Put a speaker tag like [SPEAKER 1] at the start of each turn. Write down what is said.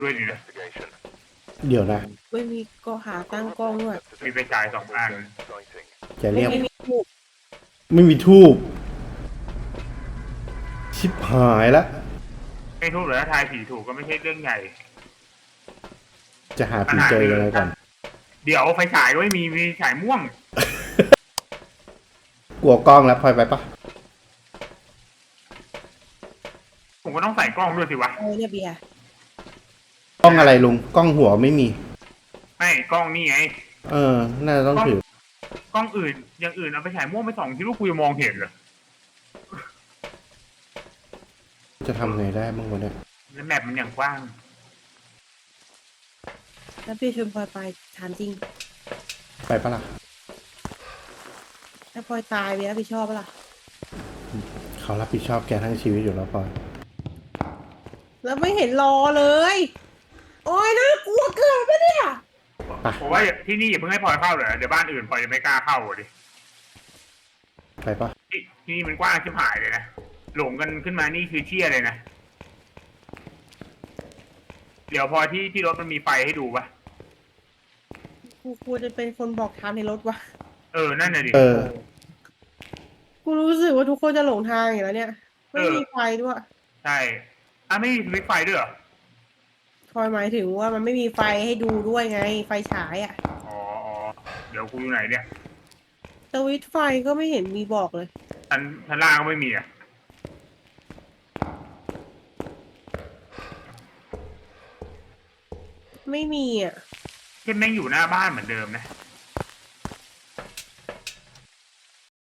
[SPEAKER 1] ด้วยดินะ
[SPEAKER 2] เดี๋ยวนะ
[SPEAKER 3] ไม่มีก็หาตั้งกล้องด้วย
[SPEAKER 1] มีไฟฉาย2 อัน
[SPEAKER 2] จะเรียก
[SPEAKER 3] ไม่มีถูก
[SPEAKER 2] ไม่มีทูบชิบหายละ
[SPEAKER 1] ไม่ทุกหรือถ้าทายผีถูกก็ไม่ใช่เรื่องใหญ่
[SPEAKER 2] จะหาผีเจอยังไงก่อน
[SPEAKER 1] เดี๋ยวไฟฉายก็ไม่มีฉายม่วง
[SPEAKER 2] กลัวกล้องแล้วพลอยไปปะ
[SPEAKER 1] ผมก็ต้องใส่กล้องด้วยสิวะ
[SPEAKER 3] เอาเนี่ยเบียร์
[SPEAKER 2] กล้องอะไรลุงกล้องหัวไม่มี
[SPEAKER 1] ไม่กล้องนี่ไง
[SPEAKER 2] เออ น่าจะต้องถือก
[SPEAKER 1] ล้องอื่นอย่างอื่นเอาไปฉายม่วงไปส่องที่ลูกกูจะมองเห็นเหรอ
[SPEAKER 2] จะทำไงได้บ้างวะเนี่ย
[SPEAKER 1] แล้วแมปมันอย่างกว้าง
[SPEAKER 3] แล้วพี่ชวนพลอยไปถามจริง
[SPEAKER 2] ไปปะล่ะ
[SPEAKER 3] ถ้าพลอยตายเบียร์รับผิดชอบปะล่ะ
[SPEAKER 2] เขารับผิดชอบแกทั้งชีวิตอยู่แล้วพลอย
[SPEAKER 3] แล้วไม่เห็นรอเลย โอ้ยน่ากลัวเกินปะเนี่ย
[SPEAKER 2] ไป
[SPEAKER 1] ผมว่าที่นี่อย่าเพิ่งให้พลอยเข้าเลยเดี๋ยวบ้านอื่นพลอยจะไม่กล้าเข้าอ่ะดิ
[SPEAKER 2] ไปปะ
[SPEAKER 1] ที่นี่มันกว้างชิบหายเลยนะหลงกันขึ้นมานี่คือเชี่ยเลยนะเดี๋ยวพอที่รถมันมีไฟให้ดูปะ
[SPEAKER 3] กูควรจะเป็นคนบอกทางในรถวะ
[SPEAKER 1] นั่นน่ะดิ
[SPEAKER 2] เออ
[SPEAKER 3] กูรู้สึกว่าทุกคนจะหลงทางอยู่แล้วเนี่ย ไม่มีไฟด้วย
[SPEAKER 1] ใช่ไม่มีสวิตช์ไฟด้วยเหรอ
[SPEAKER 3] พลอยหมายถึงว่ามันไม่มีไฟให้ดูด้วยไง ไฟฉายอ่ะ
[SPEAKER 1] อ๋อเดี๋ยวกูอยู่ไหนเนี่ย
[SPEAKER 3] สวิตช์ไฟก็ไม่เห็นมีบอกเลย
[SPEAKER 1] ชั้นล่างก็ไม่มีอ่ะ
[SPEAKER 3] ไม่มีอ่ะ
[SPEAKER 1] แค่แม่งอยู่หน้าบ้านเหมือนเดิมนะ